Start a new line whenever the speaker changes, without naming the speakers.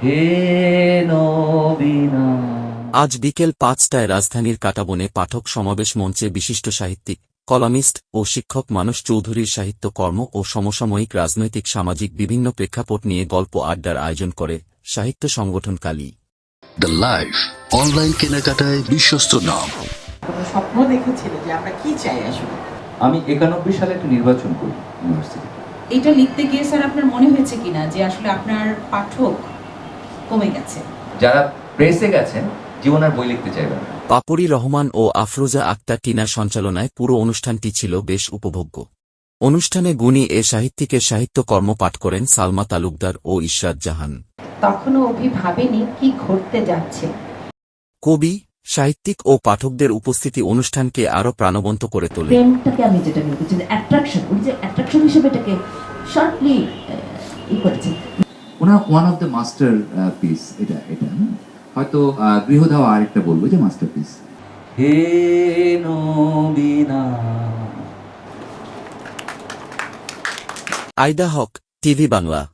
হে নবীনা।
আজ বিকেল ৫টায় রাজধানীর কাঁটাবনে পাঠক সমাবেশ মঞ্চে বিশিষ্ট সাহিত্যিক, কলামিস্ট ও শিক্ষক মানস চৌধুরীর সাহিত্যকর্ম ও সমসাময়িক রাজনৈতিক সামাজিক বিভিন্ন প্রেক্ষাপট নিয়ে গল্প আড্ডার আয়োজন করে সাহিত্য সংগঠন কালি।
দ্য লাইফ অনলাইন কেনাকাটায় বিশ্বস্ত নাম।
কোনো স্বপ্ন দেখেছিলে যে আমরা কি চাই আসলে?
আমি 91 সালে একটা নির্বাচন করি ইউনিভার্সিটি।
এটা লিখতে গিয়ে স্যার আপনার মনে হয়েছে কিনা যে আসলে আপনার পাঠক কমে গেছে?
যারা প্রেসে গেছেন জীবন আর বই লিখতে চাইবেন না।
পাপড়ি রহমান ও আফরোজা আক্তার টিনার সঞ্চালনায় পুরো অনুষ্ঠানটি ছিল বেশ উপভোগ্য। অনুষ্ঠানে গুণী এ সাহিত্যিকের সাহিত্যকর্ম পাঠ করেন সালমা তালুকদার ও ইশরাত জাহান।
তখনও অভি ভাবেনি কি ঘটতে যাচ্ছে।
কবি, সাহিত্যিক ও পাঠকদের উপস্থিতি অনুষ্ঠানকে আরও প্রাণবন্ত করে তোলে।
প্রেমটাকে আমি যেটা বলছি যে অ্যাট্রাকশন, উনি যে অ্যাট্রাকশন হিসেবে এটাকে শর্টলি করেছেন।
ওনার one of the masterpiece এটা হয়তো গৃহধাওয়া আরেকটা বলবো যে মাস্টারপিস।
হে নবীনা।
আইদা হক, টিভি বাংলা।